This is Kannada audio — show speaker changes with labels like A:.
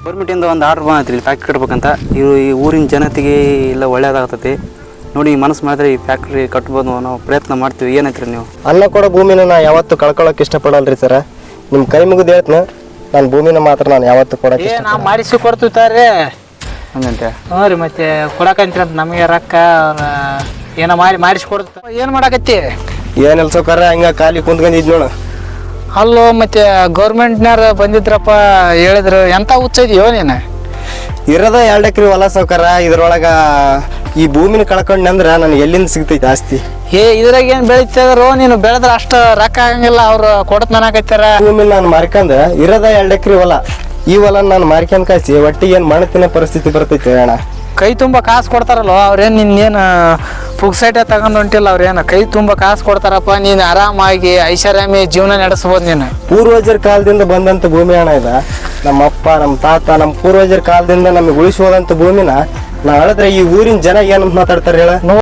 A: ಗೌರ್ಮೆಂಟಿಂದ ಒಂದು ಆರ್ಡ್ರ್ ಬಂದೈತಿ ಇಲ್ಲಿ ಫ್ಯಾಕ್ಟ್ರಿ ಕಟ್ಬೇಕಂತ. ಈ ಊರಿನ ಜನತೆಗೆ ಎಲ್ಲ ಒಳ್ಳೇದಾಗ್ತೈತಿ ನೋಡಿ. ಮನಸ್ಸು ಮಾಡಿದ್ರೆ ಈ ಫ್ಯಾಕ್ಟ್ರಿ ಕಟ್ಬೋದು ನಾವು ಪ್ರಯತ್ನ ಮಾಡ್ತೀವಿ. ಏನೈತ್ರಿ ನೀವು?
B: ಅನ್ನ ಕೊಡೋ ಭೂಮಿನ ನಾ ಯಾವತ್ತು ಕಳ್ಕೊಳ್ಳೋಕೆ ಇಷ್ಟಪಡಲ್ರಿ ಸರ. ನಿಮ್ಮ ಕೈ ಮುಗಿದು ಹೇಳ್ತೀನಿ, ನಾನು ಭೂಮಿನ ಮಾತ್ರ ನಾನು ಯಾವತ್ತು ಕೊಡೋಕೆ
C: ನಾವು ಮಾಡಿಸಿ ಕೊಡ್ತೀವಿ
A: ಹಂಗಂತೆ.
C: ಹ್ಞೂ ರೀ, ಮತ್ತೆ ಕೊಡಕಂತೀರಂತ ನಮಗೆ ರೊಕ್ಕ ಏನೋ ಮಾಡಿಸಿ ಕೊಡ್ತ. ಏನು ಮಾಡಕತ್ತಿ?
B: ಏನಿಲ್ಲ ಸೌಕರ್ಯ, ಹಂಗೆ ಖಾಲಿ ಕುಂತ್ಕೊಂಡಿದ್ ನೋಡು.
C: ಅಲ್ಲೋ ಮತ್ತೆ ಗೌರ್ಮೆಂಟ್ನವ್ರು ಬಂದಿದ್ರಪ್ಪ, ಹೇಳಿದ್ರು. ಎಂತ ಹುಚ್ಚ ಇದೆಯೋ ನೀನು?
B: ಇರೋದ 2 ಎಕರೆ ಹೊಲ ಸೌಕರ್ಯ. ಇದ್ರೊಳಗೆ ಈ ಭೂಮಿನ ಕಳ್ಕೊಂಡ್ನಂದ್ರೆ ನನಗೆ ಎಲ್ಲಿಂದ ಸಿಗ್ತೈತೆ ಆಸ್ತಿ?
C: ಇದ್ರಾಗ ಏನು ಬೆಳಿತಿದ್ರು? ನೀನು ಬೆಳೆದ್ರೆ ಅಷ್ಟು ರೊಕ್ಕ ಆಗಂಗಿಲ್ಲ, ಅವ್ರು ಕೊಡತ್ ನನಕತ್ತಾರ.
B: ಭೂಮಿನ ನಾನು ಮಾರ್ಕಂದ್ರೆ ಇರೋದ 2 ಎಕರೆ ಹೊಲ. ಈ ಹೊಲ ನಾನು ಮಾರ್ಕೊಂಡ್ ಕಾಯಿಸಿ ಒಟ್ಟಿಗೆ ಏನು ಮಣ್ಣು ಪರಿಸ್ಥಿತಿ ಬರ್ತೈತೆ ಅಣ್ಣ.
C: ಕೈ ತುಂಬ ಕಾಸು ಕೊಡ್ತಾರಲ್ವ ಅವ್ರೇನು ನಿನ್ನೇನು ಪುಕ್ಸೈಟೇ ತಗೊಂಡು ಹೊಂಟಿಲ್ಲ. ಅವ್ರೇನು ಕೈ ತುಂಬ ಕಾಸು ಕೊಡ್ತಾರಪ್ಪ. ನೀನು ಆರಾಮಾಗಿ ಐಷಾರಾಮಿ ಜೀವನ ನಡೆಸ್ಬೋದು ನೀನು.
B: ಪೂರ್ವಜರ ಕಾಲದಿಂದ ಬಂದಂಥ ಭೂಮಿ ಅಣ್ಣ ಇದು. ನಮ್ಮ ಅಪ್ಪ, ನಮ್ಮ ತಾತ, ನಮ್ಮ ಪೂರ್ವಜರ ಕಾಲದಿಂದ ನಮಗೆ ಉಳಿಸಿ ಹೋದಂಥ ಭೂಮಿನ ನಾವು ಹೇಳಿದ್ರೆ ಈ ಊರಿನ ಜನ ಏನಂತ ಮಾತಾಡ್ತಾರೆ ಹೇಳ?